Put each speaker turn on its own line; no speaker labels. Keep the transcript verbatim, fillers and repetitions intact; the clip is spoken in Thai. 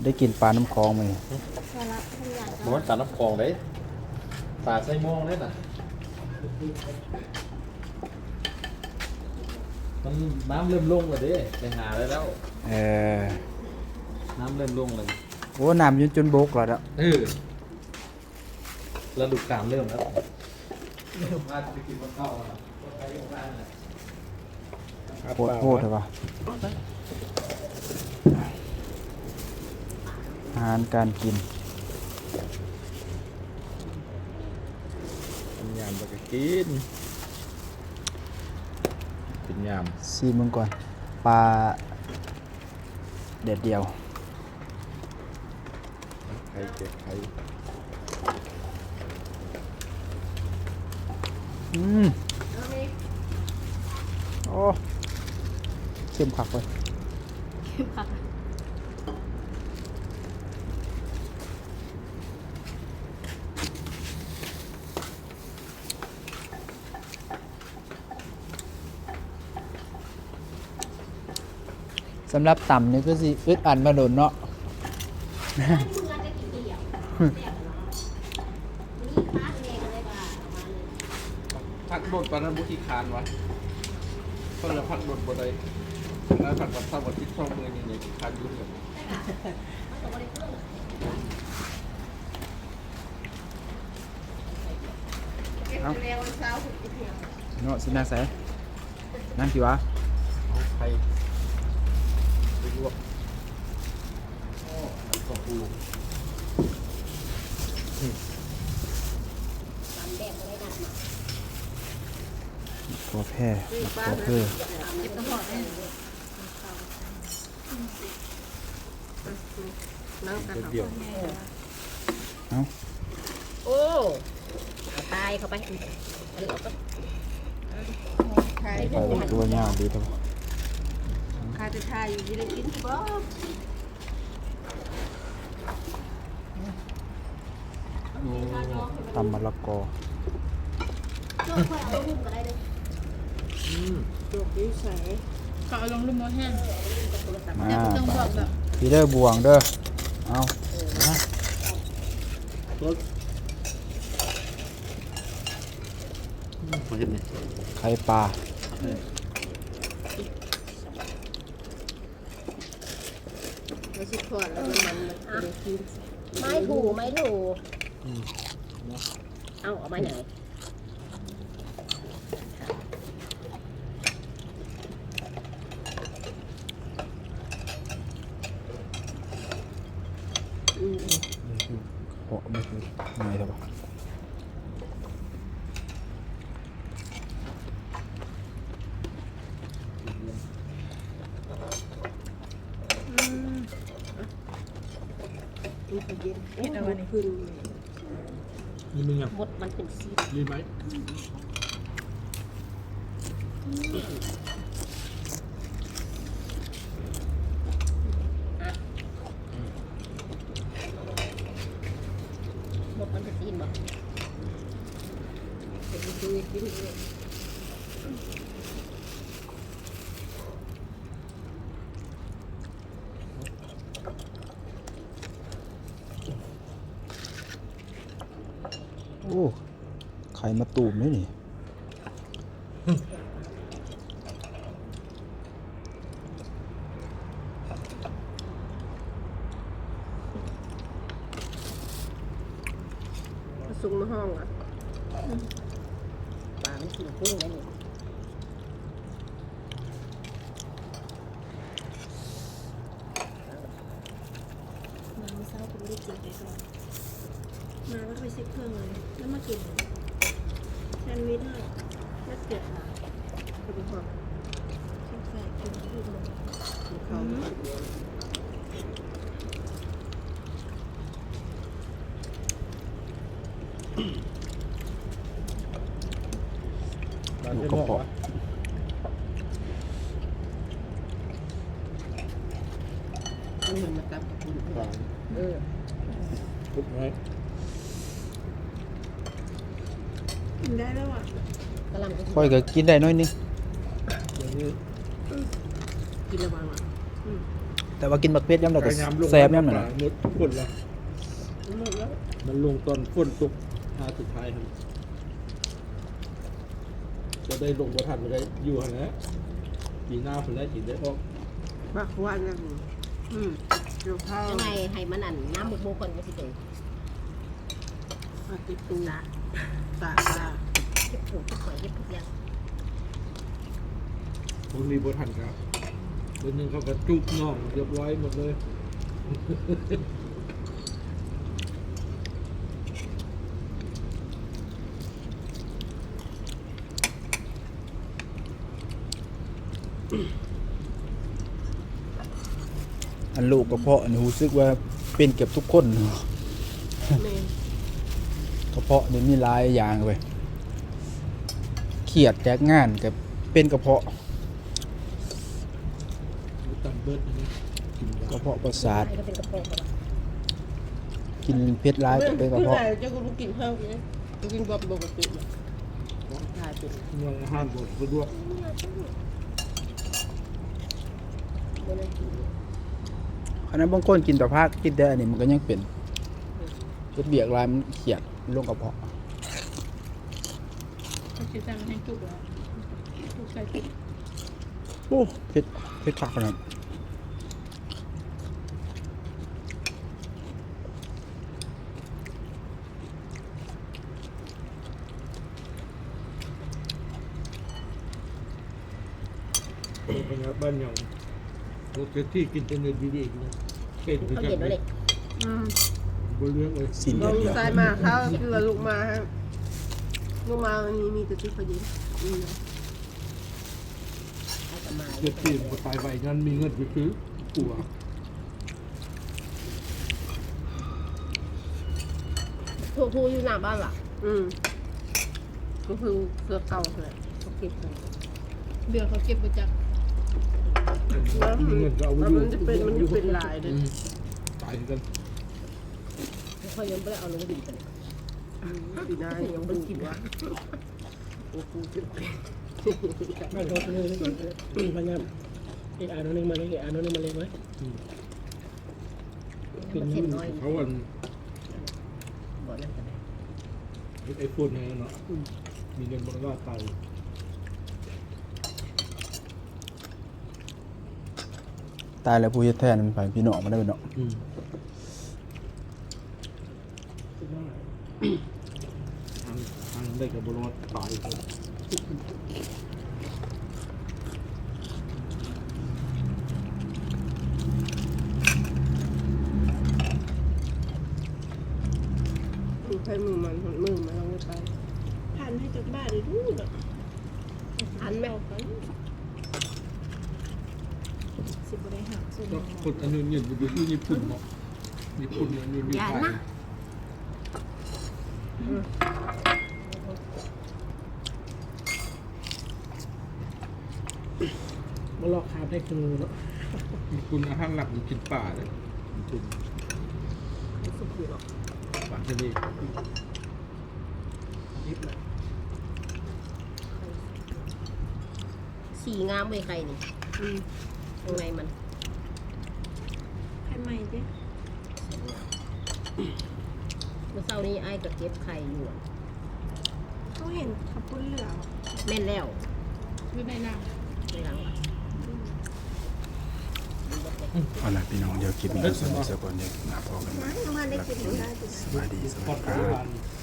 ได้กินปลาน้ำคลองไหม
บอกว่าปลาน้ำคลองเลยปลาไส้ม่วงเลยน่ะมันน้ำเริ่มลงเลยดิไปหาเลยแล้ว
เออ
น้ำเริ่มลงเลย
โอ้น้ำยืนจนบกแล้วอ่ะ
เออฤดูกาลเริ่มแล้วเริ่มมาจะกินมันเข้าแล้วไปอยู่บ้านเลย
โคตรโคตรเลยว่ะอาหารการกิน
เป็นยามปกกินเป็นยาม
ซีมึงก่อนปลาเด็ดเดียว
ไข่เก็บไข่
อืมโอ้เข้มขักเลยเข้มขักสำหรับต่ำนี่ก็สิอึดอันมาโดนเนาะ
ผักบดปลาน้ำบุกีคานวะเพิ่งจะผักบดบดเลยแล้วผักบดข้าวบดที่ช่องมือนี่เนี่ยคานยุ่งเลย
เนาะสิน่าใส่นั่นกี่วะ
ไข่ไปลวกก็ปู
ตัวแพร่ตัวเพื่อ
เดียว
เอา
โอ้ตายเข้าไป
ตัวยาวดีตัว
ใครจะทายอยู่ที่ได้กินบ่
ตำมะละกอ
จุกยิ่งใส่ก็เอาลงลุ่มมอแห้ง
มาพี่เด้อบวงเด้อเอานะไข่ปลา
ไม่ใช่ทอดแล้วมันมันจะกินไม่ถูไม่ถูเอาเอามาไหน
โอ้ไม่คือไม่หรอก
เห็นอะไรขึ้น
นี่มึงอ่ะ
มดมันเป็นซี
รีไหม
มดมันเป็นซีนบ่เป็นซีนกินเลย
โอ้ไข่มาตูมนี่นี่
ซุ้มห้องอ่ะปลามันกินกุ้งได้นี่มาเมื่อเช้าคุณไม่ได้กินไปก่อนมาแล้วไปเช็คเครื่องเลยแล้วมากินแซนด์วิชเลยแล้วเกลือค่ะคุณพ่อใส่กินที่ลงเขา
อยู่กระเพาะ
มันเหมือนมากับคุณเออ
ปุ๊บไหม
กินได้แล้วอ่ะกำลัง
ค่อยก็กินได้น้อยนึง
กินระวังอ่ะ
แต่ว่ากินบักเพชรย่ำแล้วก็
ยำลง
แซ่บย่ำหน่อย
หมดฝนแล้ว
หมดแล้ว
มันลงตอนฝนตกทาสุดท้ายครับจะได้ลงประทันไปได้อยู่หันนะปีหน้าคนได้กินได้ออก
บักวันนะอืมเดี๋ยวข้าว
ยังไงให้มันอันน้ำบุกบุกก่อนก็สิเกิด
มาติดตูตาตาตา
เก็บผูกเก็บหอยเก็บทุกอย่าง
คนมีประทันครับคนหนึ่งเขาก็จุกน่องเรียบร้อยหมดเลย
อันลูกกระเพาะอันรู้สึกว่าเป็นเกือบทุกคนเนาะ
เมน
กระเพาะนี่มีหลายอย่างเว้ยเครียดจากงานกับเป็นกระเพาะ
ตันเบิร์ดนะกิน
กระเพาะประสาท
ก็เป็นกระโปรงกัน
กินเผ็ดร้ายก็เป็นกระเพาะ
เจ้ากูกินข้าวกินกูกินแบบปกติเลยทายเป็น
เมืองอาหารบดสะดวก
บ่ได้กิน
ขณะบางคนกินแต่ภาคกินได้อันนี้มันก็ยังเป็นเผ็ดเบียกลายมันเขียดลงกระเพาะ
คิดแต่มันให้จุกแล้วจุกใส่จุก
โอ้เผ็ดเผ็ดคักขนาด
เป็นบ้านหยองโอเคที่กินเป็นเนื้อดีๆนะเป็นไป
เขา
จั
เย็นแล้ว
เล
เลย ย
อืม
บนเรื่องเลย
สิ้น
ล
เดือน
ง
เดียว
ใส่มาข้าวคือลูกมาฮะลูกมาวันนี้มีแต่จุกพอดีอืม
เอากลับมา
เกิดที่มันตายไปงั้นมีเงินไปซื้อปัว
ทูทูอยู่หน้าบ้านล่ะ
อืมก็คือเสือเก่าเลยเขาเก็บเลย
เดือเขาเก็บมาจาก
แล้ว
มีเงินก็เอาไว้
มัน
อยู่
จะเป็นมันจะเป็นลายเลย
อืมตายกัน
เขายังไม่ได้เอาลงดินกัน
ปีหน้ายังไม่กินวะโอ้โหจะเป็น
บ้านเขาเป็นเรื่องนี้พยายามอีกอ่านนึงมาเลยอีกอ่านนึงมาเลยไหม
มันเส้นน้อย
เขาวัน
บ่นั่นกัน
ไอ้พวกนี้เนาะมีเงินบริวารตาย
ตายแล้วผู้เฮ็ดแทนมันไปพี่น้องมาได้เนาะ
อืมทางทางได้กับบริวารตายครับ
มือใครมือมันมือมันเราไม่ไปพันให้จากบ้านเลยดูแบบ
อันแม่
สิบได้หักส่วน
ก็คนอันนู้นยืนอยู่ที่ญี่ปุ่นเนาะญี่ปุ่นเนี่ยยืนอยู่
อย่า
ไทย
นะ
มาลอกคาบได้คือเนาะ
ญี่ปุ่นอาหารหลักอยู่กินป่าเลยญี่ปุ่น
สุกอยู่หรอก
ป่าทะเล
ยิบเลย
สีงามเว้ยใครนี่
อืม
ข้างในมัน
ให้ใหม่ดิ
เมื่อเช้านี้ไอ้กับเก็บไข่อยู่อะ
เขาเห็นขับปุ้นเหลือง
แม่นแล้ว
อยู่ในน้ำ
ในหลังว่ะ
เอาล่ะพี่น้องเดี๋ยวคลิปนี้ก็สนุกสักคนเดี๋ยวคลิปหน้าพอกันใหม่
ไม่มาได้กินได้
สวัสดีส
พอ
วัส
ด
ดีค
ไป
รับ
ทาน